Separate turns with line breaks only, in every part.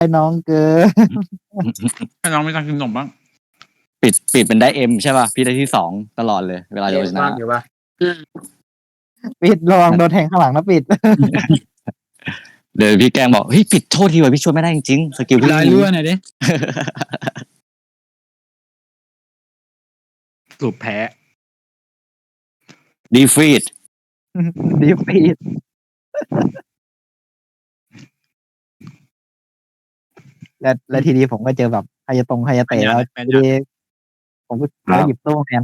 ให้น้องเกิน
ให้น้องไม่ต้องกินขนมบ้าง
ปิดเป็นได้เอ็มใช่ป่ะพี่ได้ที่2ตลอดเลยเวลาโยชนะ
ปิดระวังโดนแทงข้างหลังนะปิด
เดี๋ยวพี่แกล้งบอกเฮ้ยปิดโทษทีว่ะพี่ช่วยไม่ได้จริงๆสกิลพี่
ลายรั่วหน่อยดิ
สูบแพ้
ดีฟีด
ดีฟีดและทีนี้ผมก็เจอแบบใครจะตรงใครจะเตะแล้วทีนี้ผมก็หยิบโต้แทน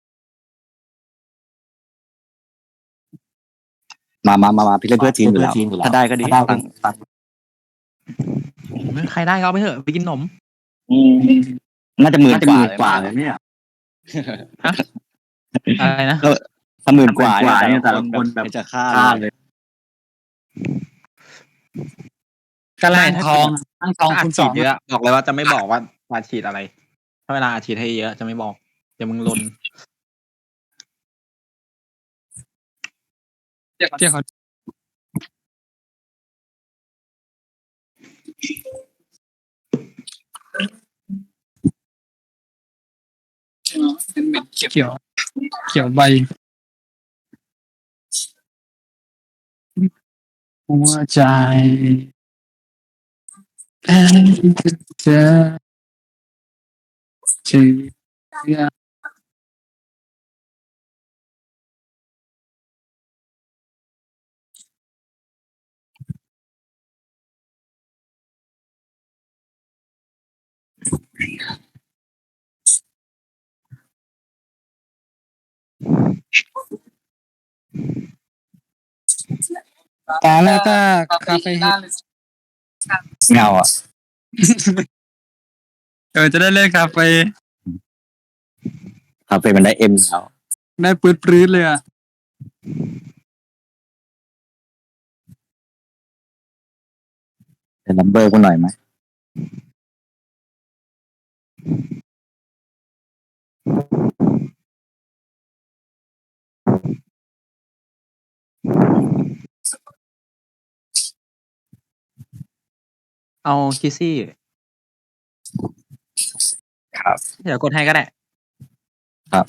มาพี่เล่นเพื่อทีมอยู่แล้วถ้าได้ก็ดีตัง
ใครได้ก็เอาไปเถอะไปกินขนม
น่าจะ10,000 กว่าเลยเนี่ย
อะไรนะ
ถ้า10,000 กว่าเนี่ยแต่ละคนแบบจะฆ่าเลย
กระลางทอง
คุณฉีดเยอะบอกเลยว่าจะไม่บอกว่าอาฉีดอะไรถ้าเวลาอาฉีดให้เยอะจะไม่บอกเดี๋ยวมึงลน
เดี๋ยวเขาเป็นเม็ดเขียวใบหัวใจเธอชื่อตาแล้วก็คาเฟ่
เงาอ่ะ
จะได้เล่นคาเฟ่
มันได้เอ็มแล้ว
ได้ปื้ดเลยอ่ะ
จะนัมเบอร์กูหน่อยไหม
เอาคิซี่
ครับ
เดี๋ยวกดให้ก็ได้
ครับ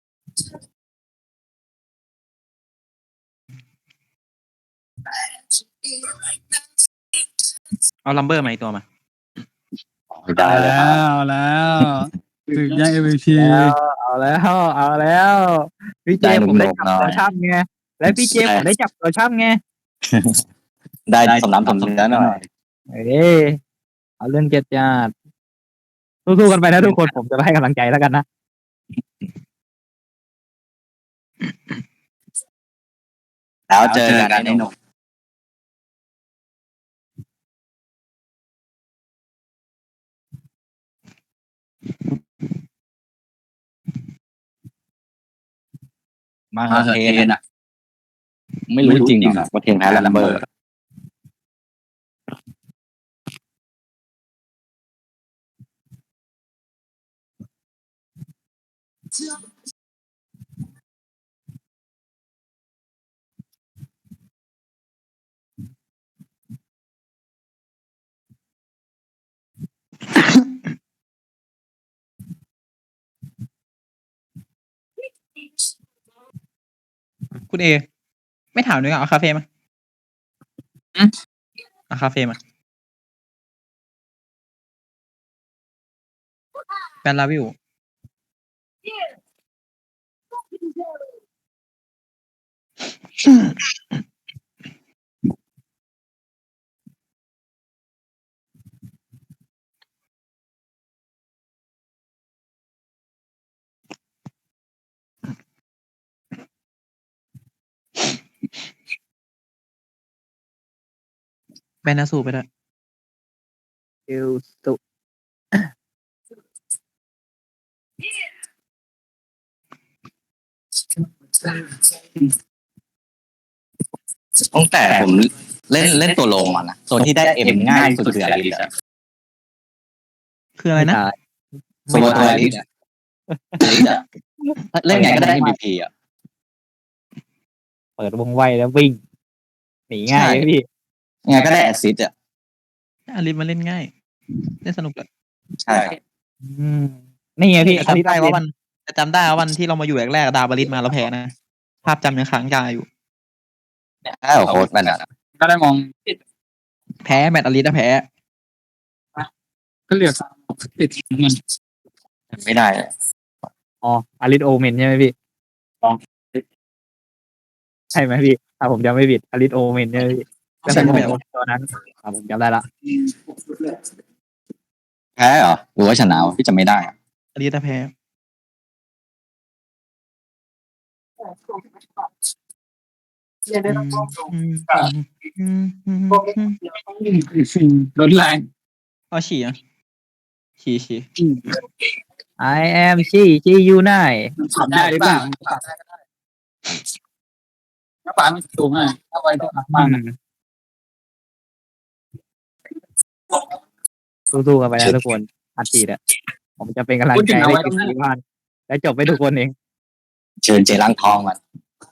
เอาลัมเบอร์มาอีกตัวมา
ได้
แล้วถึงยัง MVP
เอาแล้วพี่เจผมได้จับตัวช่ำไงและพี่เจผมได้จับตัวช่ำไง
ได้สมน้ำสมเนื้อหน่อย
เอาเรื่องเจ็ดญาติสู้ๆกันไปนะทุกคนผมจะให้กำลังใจแล้วกันนะ
แล้วเจอกันไอ้หนุ่มมาเทนอ่ะไม่รู้จริงอ่ะว่าเทนแพ้ลัมเบอร์
คุณเอไม่ถามด้วยเอาคาเฟ่มาเอาคาเฟ่มาแบนลาวิวแบนนาสูไปด้วย
สุ
ตั้งแต่ผมเล่นตัวลงมานะตัวที่ได้เอ็มง่ายสุดคืออะไรดิ
คืออะไรนะ
ตัวอะไรดิเล่นไงก็ได้ MVP อ่ะ
เปิดวงไวแล้ววิ่งหนีง่ายพี่
ไงก็ได้แอสซิสต์อ่ะ
อาริสมาเล่นง่ายเล่นสนุกเลย
ใช่ครับ
นี่ไงพี่
จำได้ว่าวันที่เรามาอยู่แรกๆดาบาริสมาแล้วแพ้นะภาพจำยังค้างคาอยู่
ถ้าโค้ดมันอ่ะ
ก็ได้มอง
แพ้แมตต์อาริสแพ้
ก็เหลือติดเงิน
ไม่ได้
อ๋ออาริสโอเมนใช่ไหมพี่ใช่ไหมพี่ถ้าผมจำไม่ผิดอาริสโอเมนใช่ไหมพี่ก็เป็นตัวนั้นผมจำได้ละ
แพ้เหรอหรือว่าชนะวะพี่จำไม่ได้อะ
อาริสแพ้
รถแรง
เอาฉี่อ่ะฉี่
I am ชียูไน
ขับได้หรือเปล่าถ้าป่ามันสูงอ่ะถ้าไว้ต้องมาก
สู้ๆกันไปนะทุกคนอัดฉีดอ่ะผมจะเป็นกำลังใจให้ทีมที่บ้านและจบไปทุกคนเอง
เชิญเจรังทองมัน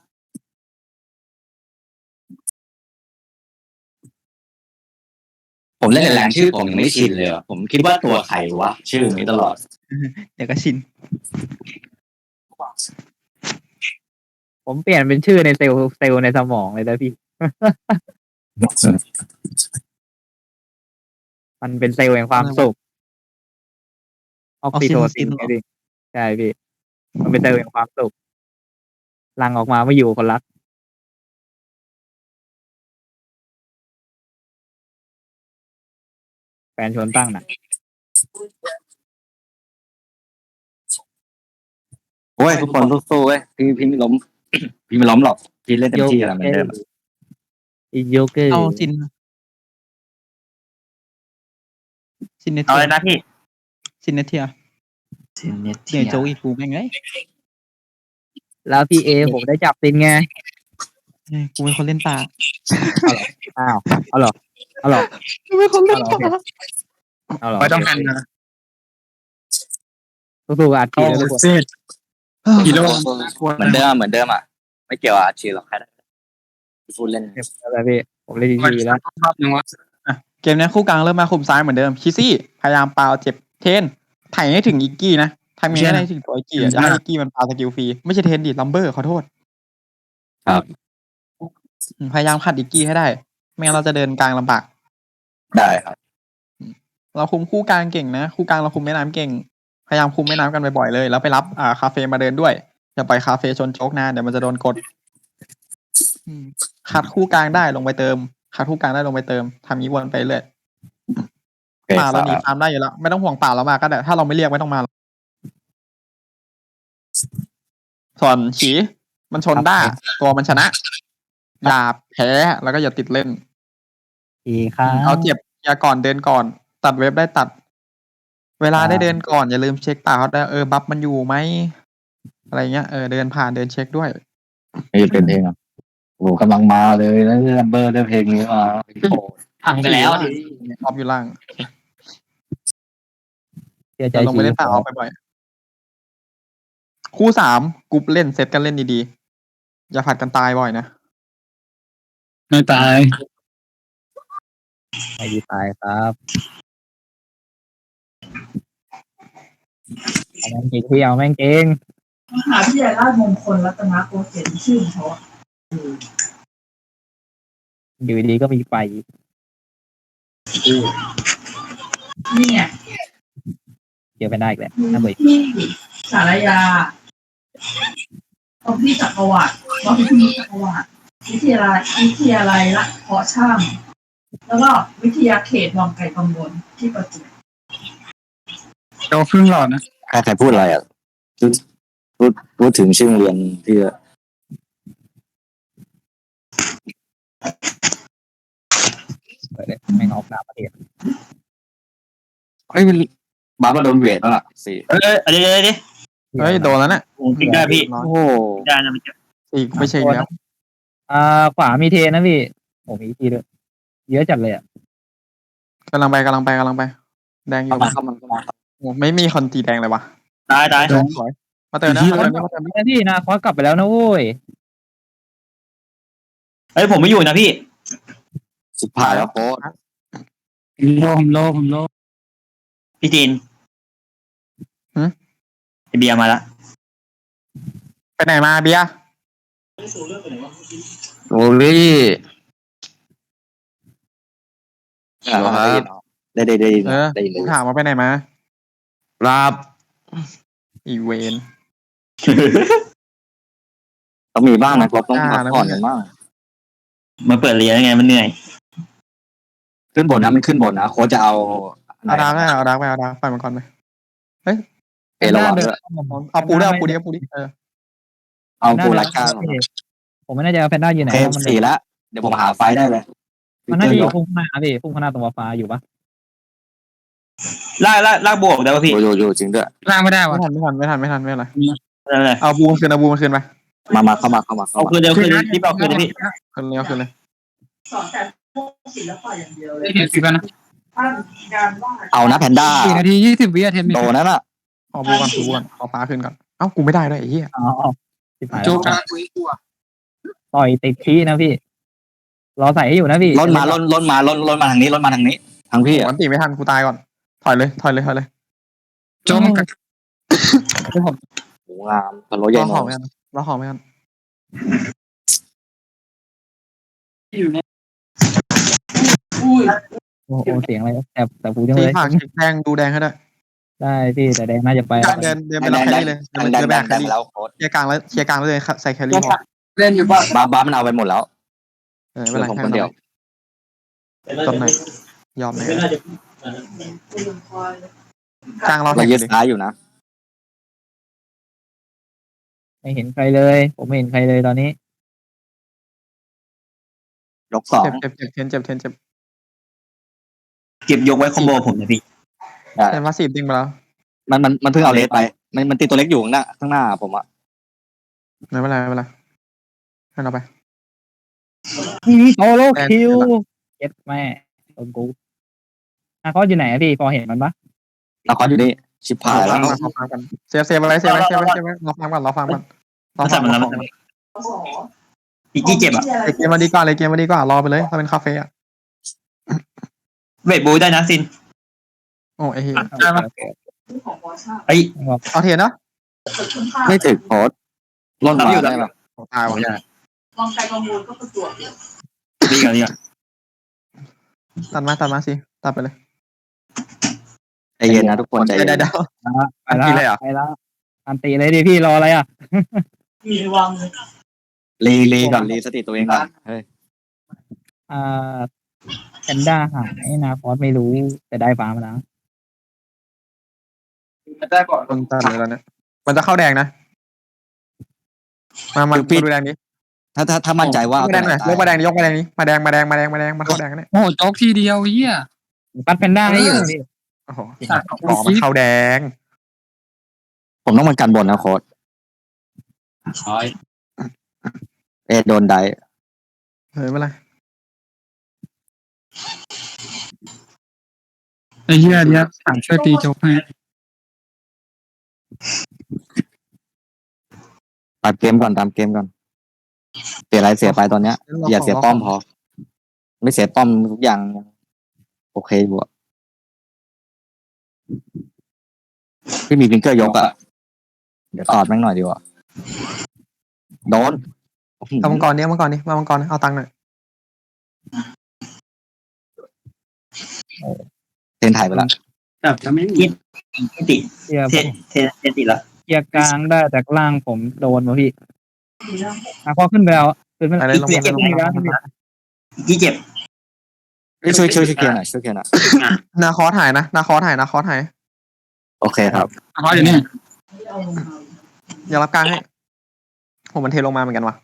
ผมเล่นในแรงชื่อผมยังไม่ชินเลยอะผมคิดว่าตัวใครวะชื่อนี้ตลอด
เดี๋ยวก็ชิน
ผมเปลี่ยนเป็นชื่อในเซลล์ในสมองเลยนะพี่ มันเป็นเซลล์แห่งความสุขออกซิโทซินไงพี่ใช่พี่มันเป็นเซลล์แห่งความสุขหลังออกมาไม่อยู่คนรักแฟนชวนตั้งน่ะ
โอ้ยทุกคนสู้ๆเว้ยพี่ไม่ล้ม พี่ไม่ล้มหรอกพี่เล่นเต็มที่แล้วเหมือนเดิม
อีโยเกอร์
เอาซินเน
เอา
เที
เลย ยนะพี่
ซินเนเทียเนี่ยโจกอีกกูแม่งไง
แล้วพี่เอผมได้จับซินไง
กูเป็นคนเล่นป่า
อ้าวเอาหรอ
กูเป็นคนเล่นป่า
เอาหรอ
ไม่ต้องหันนะ
สู้ๆอัดฉี
โอ้
ดแล้วทุกคน
เซ็ตกิโล
เหมือนเดิมอ่ะไม่เกี่ยวกับอาชีพหรอกแค่พูดเล่น
อะไรพี่ผมเล่น
มัน
ดีๆแล้ว
รอบนึงว่า
เกมนี้คู่กลางเริ่มมาคุมซ้ายเหมือนเดิมคิซี่พยายามปาเจ็บเทนไถ่ให้ถึงอีกกี้นะทำยังไงให้ถึงตัวอีกกี้อย่าให้อีกกี้มันปาสกิลฟรีไม่ใช่เทนดิลัมเบอร์ขอโทษ
ครับ
พยายามขัดอีกกี้ให้ได้ไม่งั้นเราจะเดินกลางลำบาก
ได้ครับ
เราคุมคู่กลางเก่งนะคู่กลางเราคุมแม่น้ำเก่งพยายามคุมแม่น้ำกันบ่อยๆเลยแล้วไปรับคาเฟ่มาเดินด้วยอย่าปล่อยคาเฟ่ชนโชกนานเดี๋ยวมันจะโดนกดขัดคู่กลางได้ลงไปเติมขัดคู่กลางได้ลงไปเติมทำนี้วนไปเรื่อยป่าเราหนีฟาร์มได้อยู่แล้วไม่ต้องห่วงป่าเรามาก็ได้ถ้าเราไม่เรียกไม่ต้องมาส่วนฉีมันชนได้ตัวมันชนะอย่าแพ้แล้วก็อย่าติดเล่น
อีครับ
เอาเจ็บอย่าก่อนเดินก่อนตัดเว็บได้ตัด เวลาได้เดินก่อนอย่าลืมเช็คป่าเขาได้บัฟมันอยู่ไหมอะไรเงี้ยเดินผ่านเดินเช็คด้วย
นี่เป็นเพลงอ่ะโอ้กำลังมาเลยแล้วลัมเบอร์ได้เพลงนี้มาโอ้
พังไปแล้ว
ออฟอยู่ล่าง
เชื่อใจ
จะลงไปเล่นป่าออฟบ่อยๆคู่3กรุ๊ปเล่นเซตกันเล่นดีๆอย่าผัดกันตายบ่อยนะ
ไม่ตาย
ไม่ดีตายครับเอาแม่งเก่งพี่เอาแม่งเก่ง
มหาวิทยาลัยราชมงคลรัตนโกสินทร์ชื่อเขาอะ
อยู่ดีก็มีไฟ
นี่ไง
เจอไปได้อีกแล้วน่าเบื่อ
ที่สารยาตรงที่จักรวรรดิวัดพิพิธจักรวรรดิวิทยาลัยละเพาะช่างแล้วก็วิทยาเขตวังไก่กังวลที่ประจวบ
โตครึ่งหลอดนะ
ใครพูดอะไรอ่ะพูดถึงชื่อโรงเรียนที่
แม่งออกนามประเทศ
เฮ้ยบาร์มาโดนเวทแล้วล่ะสี่
อะไรดิ
เฮ้ยโดนแล้วน่ะ
ผมติดได้พี่
โอ้โห
ได้นะมันจะ
อีกไม่ใช่แล้ว
ขวามีเทนะพี่โอ้มีทีด้วยเยอะจัดเลยอ่ะ
กำลังไปแดงอยู่
เข้ามา
โอ้ไม่มีคนตีแดงเลยวะ
ตาย
สวยมาเติมนะมาเติม
พี่นาคอสกลับไปแล้วนะโว้ย
เฮ้ยผมไม่อยู่นะพี่
สุดท้ายแล้วโค้ด
ผมโล
พี่จีนไอเบียร์มาละ
ไปไหนมาเบียร์
โอ้ยได้ได้ได้
เออ
ได้เล
กู
ย
ถามว่าไปไหนมา
ครับ
อีเวน
ต้องมีบ้างนะครับต้องพักผ่อนกันบ้าง
มาเปิดเรียนยังไงมันเหนื่อย
ขึ้นบนนะมันขึ้นบนนะโค้ชจะเอา
เอาดาร์กได้เอาดาร์กไปเอาดาร์กไปมันก่อนไป
เอระวังด้วย
เอาปูดิเอาปูดิเออ
เอาปูรักก้า
ผมไม่แน่ใจว่าแพนด้าอยู่ไหน
เค
เพราะมัน
สี่แล้วเดี๋ยวผมหาไฟได้เลย
มันน่าจะอยู่พุ่งข้างหน้าพี่พุ่งข้างหน้าตรงฟ้าอยู่ปะ
ลากบวกได้ป่ะพี่
อยู่จริงด้วย
ล่างไม่ได้วะ
ไม่ทันไม่อะไร
นั่นแหละ
เอาบูมันคืนไป
มาเข้ามา
เอาคืนเดียวคืนรีบเอาคืนเลยพี่
คืนเลย
สอนแต่พวกศิลปะอย่างเดียวเลย
เห็นสิบแล้วนะ
ถ้าการวาด
เอานะแพนด้า
4 นาที 20 วิอะเทนมิ
โดนั่นน่ะ
เอาบูกันเอาฟ้าขึ้นก่อนเอ้ากูไม่ได้ด้วยไอ้เหี้ย
อ๋อสิบหาย
โจ
แล้ว
กำลังคุยตัว
ต่อยติดขี้นะพี่รอใส่ให้อยู่นะพี่
ล้นมาทางนี้ทางพี่
วันตีไม่ทันกูตายก่อนถอยเลย
โจมันกัด
โหงามพะโล้ใหญ่
รอ
โน
ของไม่ทัน
อยู่ใน
อุ้ย
โอ้โหเสียงอะไรแต่ผูจัง
สี
เลย
ผักแดงดูแดงให้ได้
ได้พี่แต่แดงน่าจะไป
เดินไปรับแครี่เลยเดินไปแครี่
แล้วโค้ช
เคลียร์กลางเลยใส่แครี่พอ
เล่นอยู่บ้าน
บ้ามันเอาไปหมดแล้ว
ไม่เป็นไร
ผมคนเดียว
จบไหนยอมไหม
คุณคอย
กลางเรา
เรา
แข่ง
ยึด
ดิ
ซ้ายอยู่นะ
ไม่เห็นใครเลย ผมไม่เห็นใครเลยตอนนี้
ยกสอง
เจ็บเทนเจ็บ
เก็บยกไว้คอมโบผมนะพี่
เทนว่าสีดิ้งไปแล้ว
มันเพิ่งเอาเลสไป มันตีตัวเล็กอยู่ข้างหน้าผมอะ
ไม่เป็นไรให้เราไป
โซโลคิวเจ็ดแม่โดนกูเขาอยู่ไหนอะพี่พอเห็นมันปะ
เราคอนอยู่นี่ชิบหายแล้ว
เราฟังกันเซฟอะไรเราฟังก่อน
มาสั่งมันแล้วมัน
สอ
อีกที่เจ็บอ่ะ
เกมมาดีกว่ารอไปเลยถ้าเป็นคาเฟ่อะ
เวทบูได้นะซิน
โอ้ไอ้เหี้ย
ได้ปะ
ของบอชา
ไอ้
เอาเทียนเนาะ
เกิดขึ้นข้า
ไม่ถึงโค้ชล้นมาได้ปะ
ตายว่ะ
ลองใจประมูลก็ประจวบ
ดีกันดีกัน
ตัดมาสิตัดไปเลย
ใจเย็นนะทุกคนใจเย็น
ได้
ไปแล้วอันตีเลยดิพี่รออะไรอ่ะ
มีวางเลย
รีก่อนรีสติตัวเองก่อนเฮ้ย
แพนด้าหายนาคอสไม่รู้แต่ได้ฟ้ามาแล้ว
ได้ก่อน
คนตัดเลยแล้วเนี่ยมันจะเข้าแดงนะมาดูแดงนี้
ถ้ามั่นใจว่า
ยกแดงหน่อยยกมาแดงนี้มาแดงมันเข้าแดงเนี่ย
โอ้โจ๊กทีเดียวเฮีย
ปัดแพนด้าให้อยู่พี่
โอ้โหมันเข้าแดง
ผมต้องมันกันบนนะโค้ชโดนได
ไม่เป็นไร
ไอ้เฮียเนี่ยสั่งช่วยตีโจ๊กให้
ตัดเกมก่อนตามเกมก่อนเสียอะไรเสียไปตอนเนี้ยอย่าเสียป้อมพอไม่เสียป้อมทุกอย่างโอเคอยู่อะที่มีฟิงเกอร์ยกอะเดี๋ยวตอดแม่งหน่อยดีกว่าโดน
เอามังกรนี้มามังกรเอาตังค์หน่อย
เทนถ่ายไปแล้ว
แบบจะไม่มี
ติด
เทีย
เทนติดละ
เทียกลางได้จากล่างผมโดนมาพี่พอขึ้นไปแล้วขึ้นไป
อะไร
อีก
ลง
เจ็บอีกแล้ว
ที่เจ็บ
ช่วยเคลียร์หน่อยช่วยเคลียร์หน่อย
นาคอถ่ายนะนาคอถ่าย
โอเคครับ
เพราะอย่างนี้
อย่ารับกลางให้ผมมันเทลงมาเหมือนกันว่ะ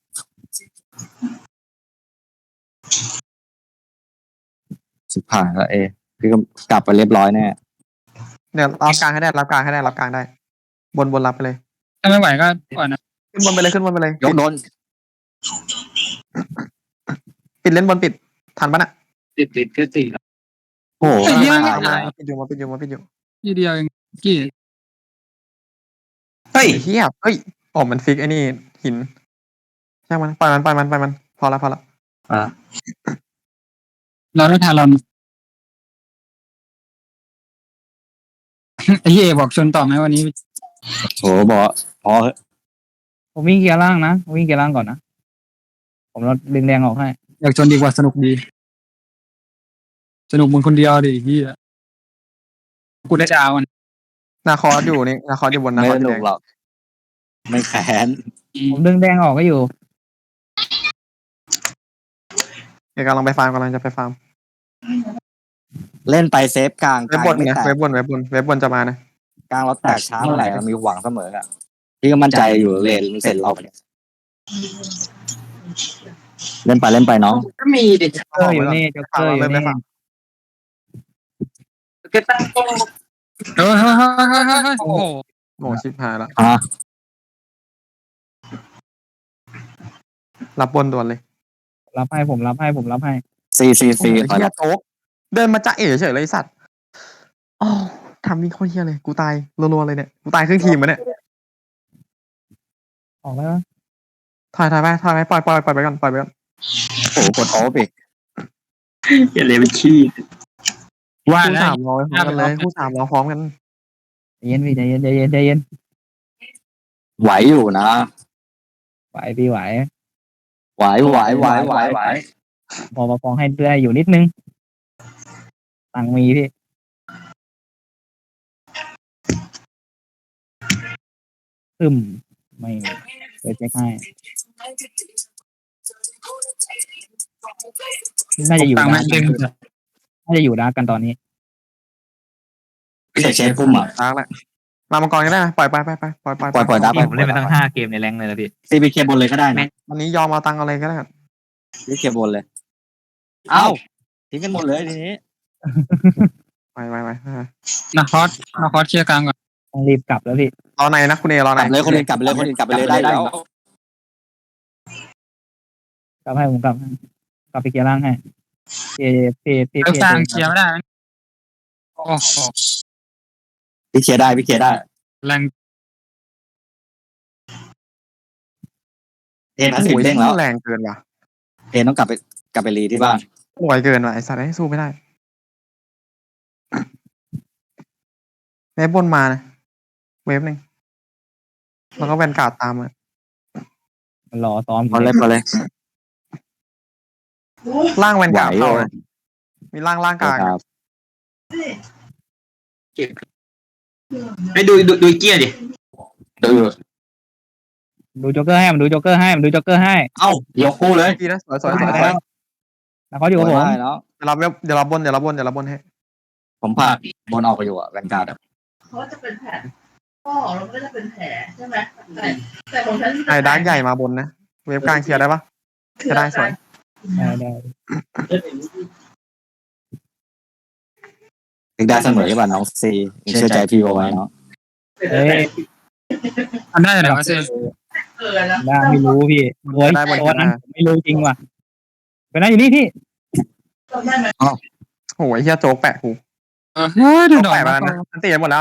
สิบผ่านแล้วพี่ก็กลับไปเรียบร้อยแน่
เดี๋ยวรับกลางให้ได้รับกลางได้บนรับไปเลย
ถ้าไม่ไหวก็ก่อนนะ
ขึ้นบนไปเลย
ยกโดน
ปิดเล่นบนปิดทันปะน่ะ
ติดคือติด
โอ้โห
มาปิดอยู่
ทีเดียวเองกี่
เฮ้ย
เฮียเฮ้ยอ๋อมันฟิกไอ้นี่หินช่างมันปล่อยมันพอละ
อ่า
เราได้ทารอนไอ้เหี้ยบอกชนต่อไหมวันนี้
โหบอกพอ
ผมวิ่งเกียร์ล่างนะวิ่งเกียร์ล่างก่อนนะผมลดดึงแดงออกให้
อยากชนดีกว่าสนุกดี สนุกมึงคนเดียวดิเหี้ยกูได้จะเอามัน
นาคอสอยู่นี่นาคอสอยู่บนนา
ไม่
คอส
ส
อยู่
นุ
แด
ก
ง
หรอกไม่แค้น
ผมดึงแดงออกก็อยู่
เดี๋ยวกำลังไปฟาร์มกำลังจะไปฟาร์ม
เล่นไปเซฟกลาง
เว็บบน
ไม่
นะ
แตก
เว็บบนจะมานะ
กลางเราแตกช้าเมื่อไหร่เรามีหวังเสมออะพี่ก็มั่นใจอยู่เลนเสร็จเราเล่นไปน้อง
ก็มีดิ
จ็อกเกอร์อยู่นี่จ็อกเกอร์อยู่นี่
เฮ้ยโอ้โห
โอ้ชิบหายละ
อ่ะ
รับบนด่วนเลย
รับให้ผมรับให้
ซี
โอ้โห
ถอย
เฮี
ห
ย
ลัง
โจ๊กเดินมาจะเอ๋เฉยเลยไอ้สัตว์อ๋อทำวิ่งโคตรเฮียเลยกูตายรัวๆเลยเนี่ยกูตายครึ่งทีมมาเนี่ย
ออกแล้ว
ถอยไปปล่อยไปก่อนปล่อยไปก่อน
โอ้โหกดออฟอีก
อย่าเลยเป็นขี้
ว่า
คู่
แล้ว
สามร้อยพร้อมกันเลยคู่สามร้อยพร้อมกัน
ใจเย็นพี่ใจเย็น
ไหวอยู่นะ
ไหวพี่ไหว
ไหว
พอประคองให้ได้อยู่นิดนึงตังมีพี่ไม่เดี๋ยวเช็คให้น่าจะอยู่
ตัง
นะ
แม่งเด้ง
น่าจะอยู่นะกันตอนนี้
พี่เช็คพุ่มอ่ะ
ล้างละมามังกรก็ได้นะปล่อยไป
ปล่อยได้
ผมเล่นไปตั้ง5 เกมในแรงเลยนะพี่
ซีบีเคบนเลยก็ได้นะ
วันนี้ยอมเอาตังค์อะไรก็ได้
ซีเคบนเลย เอ้าทิ้งกันหมดเลยทีนี้
ไป
นาคอสเชียร์กลางก่อน
ต้องรีบกลับแล้วพี่
รอในนะคุณเอรอก ใน
ลับเลยคนอื่นกลับไปเลยได้แล้ว
กลับให้ผมกลับไปเกียร์ล่างให้พี่
เลิกสร้างเชียร์ไม่ได้นะโอ้โห
พี่เคลียร์ได้
แรง
เทนพัสสิบเด้งแล้ว
แรงเกินว่ะ
เทนต้องกลับไปรีที่บ้าน
ป่วยเกินว่ะไอสัตว์ให้สู้ไม่ได้เว็บบนมานะเว็บหนึ่งแล้วก็แวนการ์ดตามมา
มันรอซ้อม
พอเลย
ล่างแวน
ไหว
การ์ดเข้านะมีล่างกลาง
ครับ
ไปดูเกียร์ดิ
ดู
ดูโจ๊กเกอร์ให้มันดูโจ๊กเกอร์ให้
เอ้ายกคู่เลย
ดีนะสวย
แล้วเขาอยู่กับผม
ได้เนาะ
เดี๋ยวรับบนให้
ผมพาบนออกไปอยู่อ่ะแวนการ์ด
เขาจะเป็นแผลพ่อเราก็จะเป็นแผลใช่ไหมแต่ของฉัน
ไอ้ดาร์กใหญ่มาบนนะเว็บกลางเคลียร์ได้ปะจะได้สวย
ได้
ถึงได้เสมอใช่ป่ะน้องซีเชื่อใจพี่โอไว้เนาะ
เอ้ย
ทำได้เหรอวะเซ
แล้ว
ได้ไม่รู้พี่โอ้ยตัวนั้นผมไม่รู้จริงว่ะเป็นนั่นอยู่นี่พี่
จำได้ไหม
โอ้ยเฮียโจ๊กแปะกู
เฮ้ยดู
โจ๊ก
หน่อย
แปะมาแล้วนะอันตีหมดแล้ว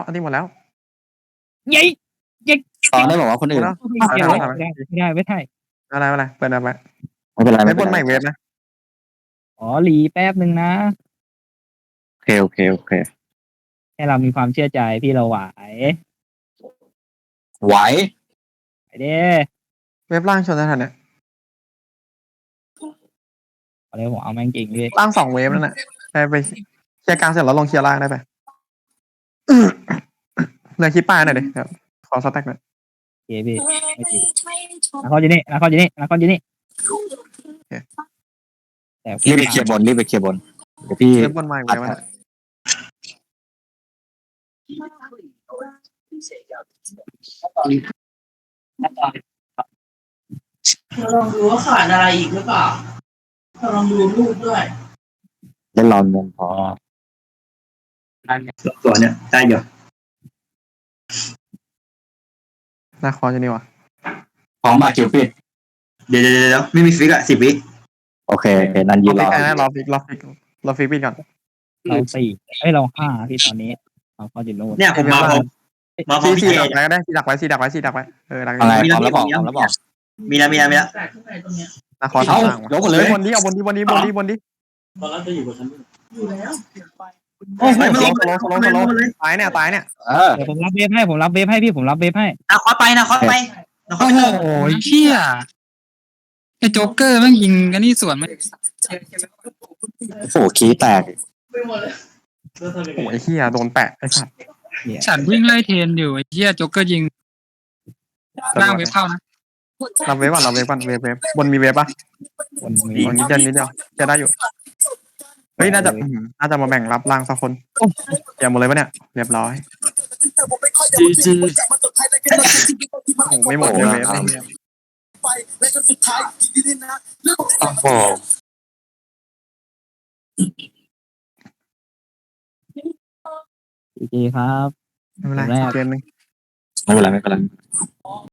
ยัย
ตอนได้บอกว่าคนอื่น
ไม่ได้อะไร
อะไรเปิดอะไร
ไม่เป็นไร
เว็
ไม่
บ
เป็
บ
น
น
ไร
ใหม่เว็บนะ
อ๋อหลีแป๊บนึงนะ
โอเค
ให้เรามีความเชื่อใจพี่เราไหว
ไหว
ไปเด้
เว็บล่างชนสถานเนี่ย
เอาเลยผมเอาแม่งจริงพี่
ล่าง2 เว็บนั่นแหละไปเคลียร์กลางเสร็จแล้วลงเคลียร์ล่างได้ไปเลยคิดป้ายหน่อยดิครับขอสแต็กหน่อย
โอเคพี่ไม่จริงแล้วเขาอยู่นี่แต่
รีบไปเคลียร์บนเดี๋ยวพี่
เว็บบนใหม่เว็บนะ
เราลองดูว่าขาดอะไรอีกหรือเปล่าเราลองดูรูปด้วย
เล่นรอนเงินพอ
ตัวเนี่ยได้อยู่
นาคอจะนี่วะ
พร้อมมาคิวปิด
เดี๋ยวไม่มีฟิกอะ10 วิ
โอเคนั่นยืนรอ
รอฟิกปิดก่อน
เรา4เรา5ที่ตอนนี้เราก็อยู่โน่น
เนี่ยผมมาพร้อม
ซี
พี่เจ
ดักไว้ก็ได้ซีดักไว้ดักไว้ดักไว้ดัก
อะไรพร้อมแล้วบอก
มีแล้ว
แต่ข้างในตรงเนี้ย
นาคอ
เอา
ทาง
ยกหมดเลย
บนดิเอาบนดิ
ตอนนั้นจะอยู่กับฉัน
อยู่แล้ว
โอ้โห
ไม่
ส
ไม่
โลสโลสโลตายเนี่ยตายเนี่ย
เดี๋ยวผมรับเวฟให้ผมรับเวฟให้พี่ผมรับเวฟให้
นะคอสไปนะคอสไปนะคอ
โอ้
ส
โหเชี่ยไอ้โจ๊กเกอร์แม่งยิงกันนี่สวนไม่
โอ้โหขี้แตก
ไปหมดเลย
โอ้ยเฮียโดนแปะไอ้สัตว์
ฉันวิ่งไล่เทรนอยู่ไอ้เชี่ยโจ๊กเกอร์ยิงร่างเว็บเข้านะ
รับเวฟก่อนรับเวฟก่อนเวฟบนมีเวฟปะ
วันนี้
บนนิดเดียวจะได้อยู่เฮ้ยน่าจะมาแบ่งรับร่างสักคนอย่าหมดเลยปะเนี่ยเรียบร้อย
จีจี
โอ้ไม่หมดเลยเวฟ
โอ้โห
ดีครับ
ไม่เป็นไรเกมนึง
ไม่เป็นไร